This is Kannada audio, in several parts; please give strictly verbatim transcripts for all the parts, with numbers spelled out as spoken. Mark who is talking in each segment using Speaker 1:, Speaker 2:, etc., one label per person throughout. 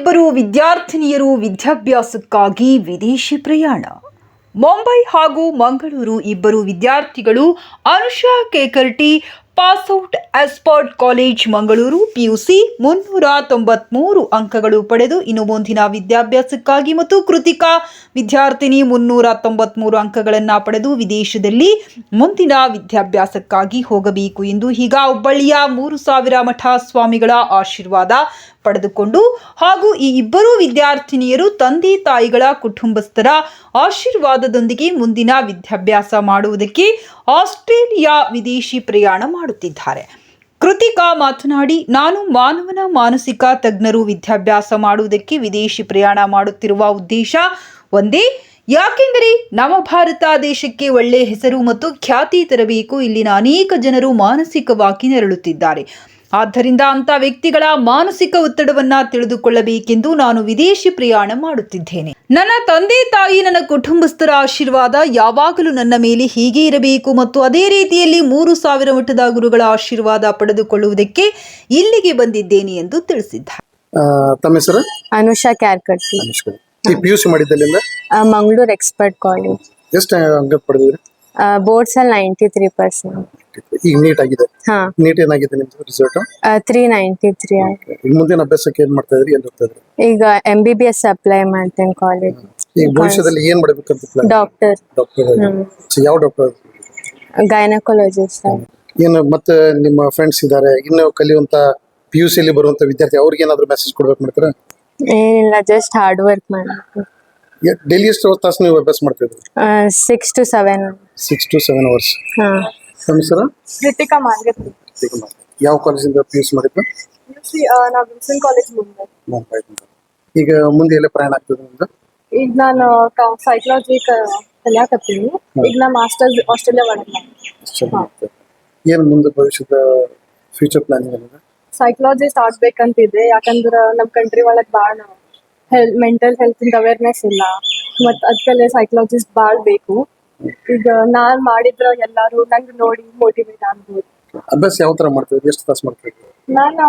Speaker 1: ಇಬ್ಬರು ವಿದ್ಯಾರ್ಥಿನಿಯರು ವಿದ್ಯಾಭ್ಯಾಸಕ್ಕಾಗಿ ವಿದೇಶಿ ಪ್ರಯಾಣ. ಮುಂಬೈ ಹಾಗೂ ಮಂಗಳೂರು ಇಬ್ಬರು ವಿದ್ಯಾರ್ಥಿಗಳು Anusha Kekarti pass out expert college Mangaluru PUC ಮುನ್ನೂರ ತೊಂಬತ್ಮೂರು ಅಂಕಗಳು ಪಡೆದು ಇನ್ನು ಮುಂದಿನ ವಿದ್ಯಾಭ್ಯಾಸಕ್ಕಾಗಿ ಮತ್ತು ಕೃತಿಕಾ ವಿದ್ಯಾರ್ಥಿನಿ ಮುನ್ನೂರ ತೊಂಬತ್ಮೂರು ಅಂಕಗಳನ್ನು ಪಡೆದು ವಿದೇಶದಲ್ಲಿ ಮುಂದಿನ ವಿದ್ಯಾಭ್ಯಾಸಕ್ಕಾಗಿ ಹೋಗಬೇಕು ಎಂದು ಈಗ ಹುಬ್ಬಳ್ಳಿಯ ಮೂರು ಸಾವಿರ ಮಠ ಸ್ವಾಮಿಗಳ ಆಶೀರ್ವಾದ ಪಡೆದುಕೊಂಡು ಹಾಗೂ ಈ ಇಬ್ಬರು ವಿದ್ಯಾರ್ಥಿನಿಯರು ತಂದೆ ತಾಯಿಗಳ ಕುಟುಂಬಸ್ಥರ ಆಶೀರ್ವಾದದೊಂದಿಗೆ ಮುಂದಿನ ವಿದ್ಯಾಭ್ಯಾಸ ಮಾಡುವುದಕ್ಕೆ ಆಸ್ಟ್ರೇಲಿಯಾ ವಿದೇಶಿ ಪ್ರಯಾಣ ಮಾಡುತ್ತಿದ್ದಾರೆ. ಕೃತಿಕಾ ಮಾತನಾಡಿ, ನಾನು ಮಾನವನ ಮಾನಸಿಕ ತಜ್ಞರು ವಿದ್ಯಾಭ್ಯಾಸ ಮಾಡುವುದಕ್ಕೆ ವಿದೇಶಿ ಪ್ರಯಾಣ ಮಾಡುತ್ತಿರುವ ಉದ್ದೇಶ ಒಂದೇ. ಯಾಕೆಂದರೆ ನಮ್ಮ ಭಾರತ ದೇಶಕ್ಕೆ ಒಳ್ಳೆಯ ಹೆಸರು ಮತ್ತು ಖ್ಯಾತಿ ತರಬೇಕು. ಇಲ್ಲಿನ ಅನೇಕ ಜನರು ಮಾನಸಿಕವಾಗಿ ನರಳುತ್ತಿದ್ದಾರೆ. ಆದ್ದರಿಂದ ಅಂಥ ವ್ಯಕ್ತಿಗಳ ಮಾನಸಿಕ ಒತ್ತಡವನ್ನ ತಿಳಿದುಕೊಳ್ಳಬೇಕೆಂದು ನಾನು ವಿದೇಶಿ ಪ್ರಯಾಣ ಮಾಡುತ್ತಿದ್ದೇನೆ. ನನ್ನ ತಂದೆ ತಾಯಿ ನನ್ನ ಕುಟುಂಬಸ್ಥರ ಆಶೀರ್ವಾದ ಯಾವಾಗಲೂ ನನ್ನ ಮೇಲೆ ಹೀಗೆ ಇರಬೇಕು ಮತ್ತು ಅದೇ ರೀತಿಯಲ್ಲಿ ಮೂರು ಸಾವಿರ ಮಠದ ಗುರುಗಳ ಆಶೀರ್ವಾದ ಪಡೆದುಕೊಳ್ಳುವುದಕ್ಕೆ ಇಲ್ಲಿಗೆ ಬಂದಿದ್ದೇನೆ ಎಂದು ತಿಳಿಸಿದ್ದಾರೆ.
Speaker 2: ತಮ್ಮ ಹೆಸರು?
Speaker 3: ಅನುಷಾ ಕ್ಯಾರ್ಕಟ್ಟಿ.
Speaker 2: ಪಿಯುಸಿ ಮಾಡಿದ್ದಲ್ಲಿಂದ
Speaker 3: ಮಂಗಳೂರು ಎಕ್ಸ್ಪರ್ಟ್ ಕಾಲೇಜ್.
Speaker 2: ಎಷ್ಟು ಅಂಕ ಪಡೆದಿದ್ರಿ?
Speaker 3: ಬೋರ್ಡ್ಸ್ ಅಲ್ಲಿ ನೈಂಟಿ ತ್ರೀ ಪರ್ಸೆಂಟ್.
Speaker 2: ಈಗ ನೀಟ್ ಆಗಿದೆ.
Speaker 3: ಹಾ,
Speaker 2: ನೀಟ್ ಏನಾಗಿದೆ ನಿಮ್ದು ರಿಸಲ್ಟ್?
Speaker 3: Three ninety three.
Speaker 2: ಈಗ ಮುಂದಿನ ಅಭ್ಯಾಸಕ್ಕೆ ಏನ್ ಮಾಡ್ತಾ ಇದ್ರಿ? ಏನ್ ಓದ್ತಾ ಇದ್ರಿ?
Speaker 3: ಈಗ M B B S apply ಮಾಡ್ತೇನೆ ಕಾಲೇಜ್.
Speaker 2: ಈಗ ಭವಿಷ್ಯದಲ್ಲಿ ಏನ್ ಮಾಡ್ಬೇಕಂತ ಪ್ಲಾನ್?
Speaker 3: ಡಾಕ್ಟರ್.
Speaker 2: ಡಾಕ್ಟರ್. ಯಾವ ಡಾಕ್ಟರ್?
Speaker 3: ಗೈನಕಾಲಜಿಸ್ಟ್.
Speaker 2: ಏನು ಮತ್ತೆ ನಿಮ್ಮ ಫ್ರೆಂಡ್ಸ್ ಇದ್ದಾರೆ ಇನ್ನು ಕಲಿಯುವಂತ ಪಿ ಯು ಸಿ ಅಲ್ಲಿ ಬರುವಂತ ವಿದ್ಯಾರ್ಥಿ ಅವ್ರಿಗೆ ಏನಾದ್ರು ಮೆಸೇಜ್ ಕೊಡ್ಬೇಕು ಮಾಡ್ತೀರಾ?
Speaker 3: ಏನಿಲ್ಲ, ಜಸ್ಟ್ ಹಾರ್ಡ್ ವರ್ಕ್ ಮಾಡಬೇಕು.
Speaker 2: ಡೈಲಿ ಎಷ್ಟು ತಾಸು ನೀವು ಅಭ್ಯಾಸ ಮಾಡ್ತಾ ಇದ್ರಿ?
Speaker 3: Six to seven.
Speaker 2: Six to seven hours.
Speaker 3: ಹಾ.
Speaker 2: ನಮ್ಮ ಹೆಸರು?
Speaker 3: ಕೃತಿಕಾ ಮಾರ್ಗತ್ರಿ.
Speaker 2: ಯಾವ ಕಾಲೇಜಿಂದ ಪಿ ಯು ಸಿ ಮಾಡಿದ್ದು?
Speaker 3: ನಾವು ವಿಲ್ಸನ್ ಕಾಲೇಜ್ ಮುಂದೆ.
Speaker 2: ಮುಂಬೈ. ಈಗ ಮುಂದೆ ಎಲ್ಲ ಪ್ರಯಾಣ ಆಗ್ತದೆ ನಿಮ್ದು?
Speaker 3: ಈಗ ನಾನು ಸೈಕಾಲಜಿ ಕಲಿಯಾಕತ್ತೀನಿ. ಈಗ ನಾ ಮಾಸ್ಟರ್ಸ್ ಆಸ್ಟ್ರೇಲಿಯಾ ಮಾಡಿದ್ದೆ.
Speaker 2: ಏನು ಮುಂದೆ ಭವಿಷ್ಯದ ಫ್ಯೂಚರ್ ಪ್ಲಾನಿಂಗ್ ಏನಿದೆ?
Speaker 3: ಸೈಕಾಲಜಿಸ್ಟ್ ಆಗ್ಬೇಕಂತಿದೆ. ಯಾಕಂದ್ರೆ ನಮ್ಮ ಕಂಟ್ರಿ ಒಳಗೆ ಭಾಳ ಹೆಲ್ ಮೆಂಟಲ್ ಹೆಲ್ತ್ ಇಂದ ಅವೇರ್ನೆಸ್ ಇಲ್ಲ ಮತ್ತು ಅದಕ್ಕೆ ಸೈಕಾಲಜಿಸ್ಟ್ ಭಾಳ ಬೇಕು. ಈಗ ನಾನ್ ಮಾಡಿದ್ರ ಎಲ್ಲಾರು ನಂಗೆ ನೋಡಿ ಮೋಟಿವೇಟ್ ಆಗ್ಬೋದು.
Speaker 2: ಅಭ್ಯಾಸ ಯಾವ ತರ ಮಾಡ್ತೀವಿ? ಎಷ್ಟು ತಾಸು ಮಾಡ್ತೀವಿ?
Speaker 3: ನಾನು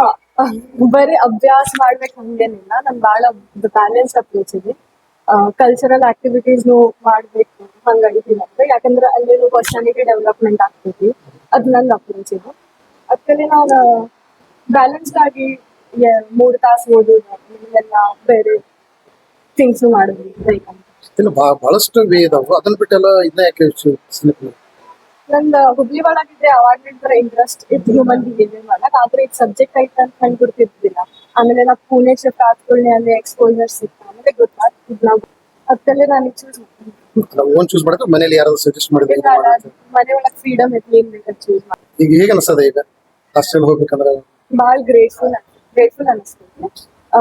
Speaker 3: ಬರೀ ಅಭ್ಯಾಸ ಮಾಡ್ಬೇಕು ಹಂಗೇನಿಲ್ಲ. ನನ್ ಭಾಳ ಬ್ಯಾಲೆನ್ಸ್ ಅಪ್ರೋಚ್ ಇದೆ. ಕಲ್ಚರಲ್ ಆಕ್ಟಿವಿಟೀಸ್ನು ಮಾಡ್ಬೇಕು ಹಂಗಾಗಿದ್ದೀನಿ ಅಂತ. ಯಾಕಂದ್ರೆ ಅಲ್ಲಿ ಪರ್ಸನಾಲಿಟಿ ಡೆವಲಪ್ಮೆಂಟ್ ಆಗ್ತೈತಿ. ಅದು ನನ್ನ ಅಪ್ರೋಚ್ ಇದೆ. ಅದಕ್ಕೆ ನಾನು ಬ್ಯಾಲೆನ್ಸ್ಡ್ ಆಗಿ ಮೂರು ತಾಸು ಓದೋದು ಎಲ್ಲ ಬೇರೆ ಥಿಂಗ್ಸ್ ಮಾಡೋದು.
Speaker 2: ಇಲ್ಲ ಬಹಳಷ್ಟು ವೇ ಇದಾವೆ, ಅದನ್ನ ಬಿಟ್ಟೆಲ್ಲ ಇದನ್ನ ಯಾಕೆ?
Speaker 3: ನಂದು ಹುಬ್ಳಿ ಒಳಗಿದ್ರೆ ಅವಾಗ್ಲಿಂದ ಇಂಟ್ರೆಸ್ಟ್ ಇತ್ತು ಹ್ಯೂಮನ್ ಬಿಹೇವಿಯರ್ ಮಾಡಕ್. ಆದ್ರೆ ಈಗ ಸಬ್ಜೆಕ್ಟ್ ಐತೆ ಅಂತ ನಂಗೆ ಗೊತ್ತಿರ್ತಿಲ್ಲ. ಆಮೇಲೆ ನಾವು ಪುಣೆ ಶಿಫ್ಟ್ ಆದ್ಕೊಳ್ಳಿ ಅಲ್ಲಿ ಎಕ್ಸ್ಪೋಜರ್ ಸಿಕ್ತ ಆಮೇಲೆ ಗೊತ್ತಾಗ್ತಿದ್ ನಾವು. ಅದಕ್ಕೆ ನಾನು ಚೂಸ್
Speaker 2: ಓನ್ ಚೂಸ್ ಮಾಡಿದ್ರೆ ಮನೇಲಿ ಯಾರಾದ್ರೂ ಸಜೆಸ್ಟ್ ಮಾಡಿದ್ರೆ
Speaker 3: ಮನೆ ಒಳಗೆ ಫ್ರೀಡಮ್ ಐತಿ, ಏನ್ ಬೇಕಾದ್ರೆ ಚೂಸ್ ಮಾಡಿ. ಈಗ
Speaker 2: ಹೇಗೆ ಅನಿಸ್ತದೆ ಈಗ ಹಾಸ್ಟೆಲ್ ಹೋಗ್ಬೇಕಂದ್ರೆ?
Speaker 3: ಭಾಳ ಗ್ರೇಟ್ಫುಲ್ ಗ್ರೇಟ್ಫುಲ್ ಅನಿಸ್ತೈತಿ.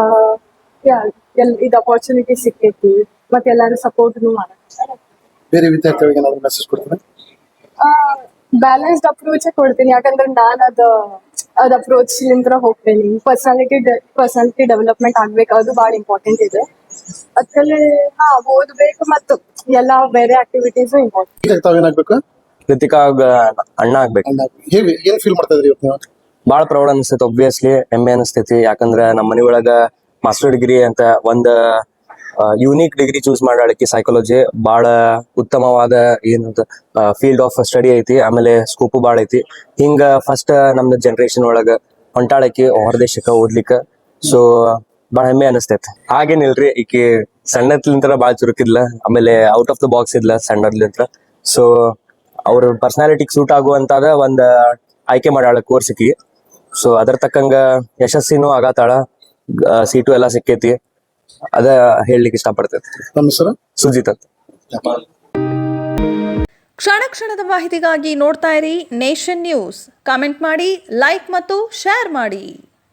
Speaker 3: ಎಲ್ ಇದು ಅಪರ್ಚುನಿಟಿ ಸಿಕ್ಕೈತಿ ಮತ್ತೆ ಎಲ್ಲಾರು ಸಪೋರ್ಟ್ನು ಮಾಡಕ್ಕೆ.
Speaker 2: ಬೇರೆ ವಿದ್ಯಾರ್ಥಿಗಳಿಗೆ ಏನಾದ್ರು ಮೆಸೇಜ್ ಕೊಡ್ತೀರಾ?
Speaker 3: ಬ್ಯಾಲೆನ್ಸ್ಡ್ ಅಪ್ರೋಚ್ ಕೊಡ್ತೀನಿ. ಯಾಕಂದ್ರೆ ನಾನು ಅದ ಅದ್ ಅಪ್ರೋಚ್ ನಿಂತ್ರ ಹೋಗ್ತೇನೆ. ಪರ್ಸನಾಲಿಟಿ ಪರ್ಸನಾಲಿಟಿ ಡೆವಲಪ್ಮೆಂಟ್ ಆಗ್ಬೇಕು, ಅದು ಭಾಳ ಇಂಪಾರ್ಟೆಂಟ್ ಇದೆ. ಅದಕ್ಕೆ ಹಾ ಓದ್ಬೇಕು ಮತ್ತು ಎಲ್ಲಾ ಬೇರೆ ಆಕ್ಟಿವಿಟೀಸ್ ಇಂಪಾರ್ಟೆಂಟ್.
Speaker 2: ತಾವೇನಾಗ್ಬೇಕು?
Speaker 4: ಕೃತಿಕಾ ಅಣ್ಣ ಆಗ್ಬೇಕು.
Speaker 2: ಹೇಗೆ ಏನ್ ಫೀಲ್ ಮಾಡ್ತಾ ಇದ್ರಿ ಇವತ್ತು?
Speaker 4: ಬಾಳ ಪ್ರೌಡ್ ಅನಿಸ್ತೈತಿ, ಒಬ್ವಿಯಸ್ಲಿ ಹೆಮ್ಮೆ ಅನಿಸ್ತೈತಿ. ಯಾಕಂದ್ರ ನಮ್ಮ ಮನೆ ಒಳಗ ಮಾಸ್ಟರ್ ಡಿಗ್ರಿ ಅಂತ ಒಂದ್ ಯೂನಿಕ್ ಡಿಗ್ರಿ ಚೂಸ್ ಮಾಡಲಿಕ್ಕೆ ಸೈಕಾಲಜಿ ಬಹಳ ಉತ್ತಮವಾದ ಏನಂತ ಫೀಲ್ಡ್ ಆಫ್ ಸ್ಟಡಿ ಐತಿ. ಆಮೇಲೆ ಸ್ಕೋಪು ಭಾಳ ಐತಿ. ಹಿಂಗ ಫಸ್ಟ್ ನಮ್ದು ಜನರೇಷನ್ ಒಳಗ ಹೊಂಟಾಳಕಿ ಹೊರದೇಶಕ್ಕ ಓದ್ಲಿಕ್ಕ. ಸೊ ಭಾಳ ಹೆಮ್ಮೆ ಅನಿಸ್ತೈತಿ. ಹಾಗೇನಿಲ್ರಿ, ಈಕಿ ಸಣ್ಣದ್ಲಿಂತ್ರ ಭಾಳ ಚುರುಕಿದ್ಲ, ಆಮೇಲೆ ಔಟ್ ಆಫ್ ದ ಬಾಕ್ಸ್ ಇದ್ಲ ಸಣ್ಣದ್ಲಿಂತ್ರ. ಸೊ ಅವ್ರ ಪರ್ಸನಾಲಿಟಿಗೆ ಸೂಟ್ ಆಗುವಂತಾದ ಒಂದ್ ಆಯ್ಕೆ ಮಾಡ್ಯಾಳ ಕೋರ್ಸಿಗೆ. ಸೊ ಅದ್ರ ತಕ್ಕಂಗ ಯಶಸ್ಸಿನೂ ಆಗತ್ತಾಳ, ಸೀಟು ಎಲ್ಲ ಸಿಕ್ಕೈತಿ. ಅದ ಹೇಳಲಿಕ್ಕೆ ಇಷ್ಟಪಡ್ತೈತಿ.
Speaker 2: ನಮ್ಮ ಹೆಸರು
Speaker 4: ಸುಜಿತ್ ಅಂತ.
Speaker 1: ಕ್ಷಣ ಕ್ಷಣದ ಮಾಹಿತಿಗಾಗಿ ನೋಡ್ತಾ ಇರಿ ನೇಷನ್ ನ್ಯೂಸ್. ಕಾಮೆಂಟ್ ಮಾಡಿ, ಲೈಕ್ ಮತ್ತು ಶೇರ್ ಮಾಡಿ.